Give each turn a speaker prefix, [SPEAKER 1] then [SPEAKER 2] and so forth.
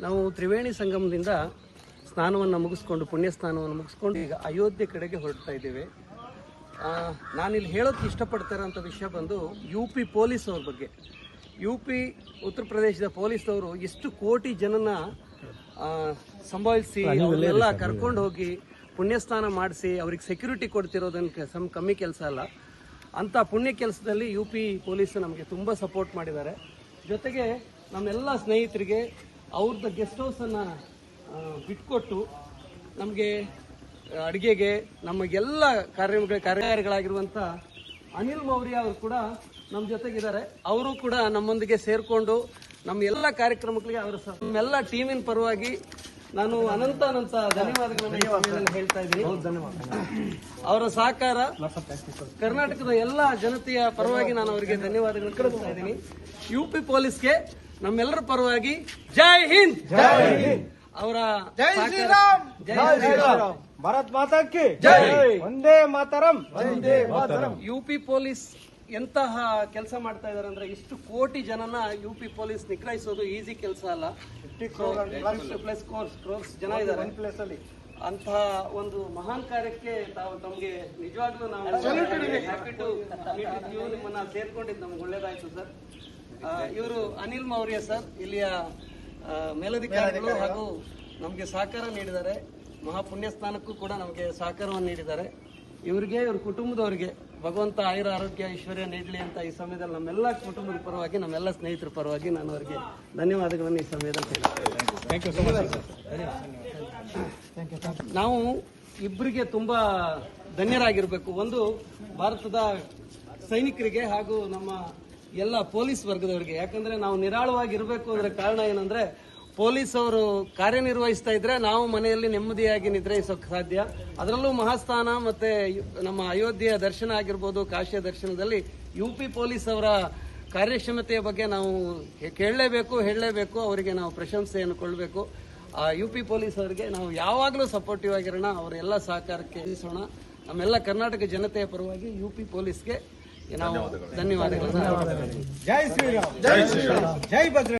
[SPEAKER 1] ನಾವು ತ್ರಿವೇಣಿ ಸಂಗಮದಿಂದ ಸ್ನಾನವನ್ನು ಮುಗಿಸ್ಕೊಂಡು ಪುಣ್ಯ ಸ್ನಾನವನ್ನು ಮುಗಿಸ್ಕೊಂಡು ಈಗ ಅಯೋಧ್ಯೆ ಕಡೆಗೆ ಹೊರಡ್ತಾ ಇದ್ದೇವೆ. ನಾನಿಲ್ಲಿ ಹೇಳೋಕ್ಕೆ ಇಷ್ಟಪಡ್ತಾ ಇರೋಂಥ ವಿಷಯ ಬಂದು UP ಪೊಲೀಸ್ ಅವ್ರ ಬಗ್ಗೆ. UP ಉತ್ತರ ಪ್ರದೇಶದ ಪೊಲೀಸ್ನವರು ಎಷ್ಟು ಕೋಟಿ ಜನನ ಸಂಭಾಳಿಸಿ ಅವರೆಲ್ಲ ಕರ್ಕೊಂಡು ಹೋಗಿ ಪುಣ್ಯಸ್ನಾನ ಮಾಡಿಸಿ ಅವ್ರಿಗೆ ಸೆಕ್ಯೂರಿಟಿ ಕೊಡ್ತಿರೋದನ್ನು ಕಮ್ಮಿ ಕೆಲಸ ಅಲ್ಲ. ಅಂಥ ಪುಣ್ಯ ಕೆಲಸದಲ್ಲಿ UP ಪೊಲೀಸ್ ನಮಗೆ ತುಂಬ ಸಪೋರ್ಟ್ ಮಾಡಿದ್ದಾರೆ. ಜೊತೆಗೆ ನಮ್ಮೆಲ್ಲ ಸ್ನೇಹಿತರಿಗೆ ಅವ್ರದ್ದು ಗೆಸ್ಟ್ ಹೌಸನ್ನು ಬಿಟ್ಕೊಟ್ಟು ನಮಗೆ ಅಡುಗೆಗೆ ನಮಗೆಲ್ಲ ಕಾರ್ಯಗಳಾಗಿರುವಂಥ ಅನಿಲ್ ಮೌರ್ಯ ಅವರು ಕೂಡ ನಮ್ಮ ಜೊತೆಗಿದ್ದಾರೆ. ಅವರು ಕೂಡ ನಮ್ಮೊಂದಿಗೆ ಸೇರಿಕೊಂಡು ನಮ್ಮ ಎಲ್ಲ ಕಾರ್ಯಕ್ರಮಗಳಿಗೆ ಅವರ ನಮ್ಮೆಲ್ಲ ಟೀಮಿನ ಪರವಾಗಿ ನಾನು ಅನಂತ ಧನ್ಯವಾದಗಳನ್ನು ಹೇಳ್ತಾ ಇದ್ದೀನಿ. ಅವರ ಸಹಕಾರ ಕರ್ನಾಟಕದ ಎಲ್ಲ ಜನತೆಯ ಪರವಾಗಿ ನಾನು ಅವರಿಗೆ ಧನ್ಯವಾದಗಳನ್ನು ಕಳಿಸ್ತಾ ಇದ್ದೀನಿ. UP ಪೊಲೀಸ್ಗೆ ನಮ್ಮೆಲ್ಲರ ಪರವಾಗಿ ಜೈ ಹಿಂದ್. ಅವರ
[SPEAKER 2] ಭಾರತ್ ಮಾತಾ ಕಿ ಜೈ, ವಂದೇ ಮಾತರಂ.
[SPEAKER 1] UP ಪೊಲೀಸ್ ಎಂತಹ ಕೆಲಸ ಮಾಡ್ತಾ ಇದಾರೆ ಅಂದ್ರೆ ಇಷ್ಟು ಕೋಟಿ ಜನನ UP ಪೊಲೀಸ್ ನಿಗ್ರಹಿಸೋದು ಈಸಿ ಕೆಲಸ ಅಲ್ಲ. ಕ್ರೋರ್ಸ್ ಜನ ಇದ್ದಾರೆ ಅಂತಹ ಒಂದು ಮಹಾನ್ ಕಾರ್ಯಕ್ಕೆ ತಮಗೆ ನಿಜವಾಗ್ಲೂ ನಾವು ಹ್ಯಾಪಿ ಟು ನಿಮ್ಮನ್ನ ಸೇರ್ಕೊಂಡಿದ್ದು ನಮ್ಗೆ ಒಳ್ಳೇದಾಯ್ತು ಸರ್. ಇವರು ಅನಿಲ್ ಮೌರ್ಯ ಸರ್, ಇಲ್ಲಿಯ ಮೇಲಧಿಕಾರಿಗಳು ಹಾಗೂ ನಮಗೆ ಸಹಕಾರ ನೀಡಿದ್ದಾರೆ. ಮಹಾಪುಣ್ಯ ಸ್ನಾನಕ್ಕೂ ಕೂಡ ನಮಗೆ ಸಹಕಾರವನ್ನು ನೀಡಿದ್ದಾರೆ. ಇವರಿಗೆ ಇವ್ರ ಕುಟುಂಬದವರಿಗೆ ಭಗವಂತ ಆಯುರ ಆರೋಗ್ಯ ಐಶ್ವರ್ಯ ನೀಡಲಿ ಅಂತ ಈ ಸಮಯದಲ್ಲಿ ನಮ್ಮೆಲ್ಲ ಕುಟುಂಬದ ಪರವಾಗಿ ನಮ್ಮೆಲ್ಲ ಸ್ನೇಹಿತರ ಪರವಾಗಿ ನಾನು ಅವರಿಗೆ ಧನ್ಯವಾದಗಳನ್ನು ಈ ಸಮಯದಲ್ಲಿ ಹೇಳ್ತೇನೆ. ನಾವು ಇಬ್ಬರಿಗೆ ತುಂಬಾ ಧನ್ಯರಾಗಿರ್ಬೇಕು. ಒಂದು ಭಾರತದ ಸೈನಿಕರಿಗೆ ಹಾಗೂ ನಮ್ಮ ಎಲ್ಲ ಪೊಲೀಸ್ ವರ್ಗದವರಿಗೆ. ಯಾಕಂದ್ರೆ ನಾವು ನಿರಾಳವಾಗಿರ್ಬೇಕು ಅಂದ್ರೆ ಕಾರಣ ಏನಂದ್ರೆ ಪೊಲೀಸ್ ಅವರು ಕಾರ್ಯನಿರ್ವಹಿಸ್ತಾ ಇದ್ರೆ ನಾವು ಮನೆಯಲ್ಲಿ ನೆಮ್ಮದಿಯಾಗಿ ನಿದ್ರಿಸೋಕೆ ಸಾಧ್ಯ. ಅದರಲ್ಲೂ ಮಹಾಸ್ಥಾನ ಮತ್ತೆ ನಮ್ಮ ಅಯೋಧ್ಯೆಯ ದರ್ಶನ ಆಗಿರ್ಬೋದು, ಕಾಶಿಯ ದರ್ಶನದಲ್ಲಿ UP ಪೊಲೀಸ್ ಅವರ ಕಾರ್ಯಕ್ಷಮತೆಯ ಬಗ್ಗೆ ನಾವು ಹೇಳಲೇಬೇಕು. ಅವರಿಗೆ ನಾವು ಪ್ರಶಂಸೆಯನ್ನು ಕೊಡಬೇಕು. UP ಪೊಲೀಸ್ ಅವರಿಗೆ ನಾವು ಯಾವಾಗಲೂ ಸಪೋರ್ಟಿವ್ ಆಗಿರೋಣ. ಅವರ ಎಲ್ಲ ಸಹಕಾರಕ್ಕೆ ಇರಿಸೋಣ. ನಮ್ಮೆಲ್ಲ ಕರ್ನಾಟಕ ಜನತೆಯ ಪರವಾಗಿ UP ಪೊಲೀಸ್ಗೆ ನಾವು ಧನ್ಯವಾದಗಳು.
[SPEAKER 2] ಜೈ ಶ್ರೀರಾಮ್, ಜೈ ಶ್ರೀರಾಮ್, ಜೈ ಭದ್ರ.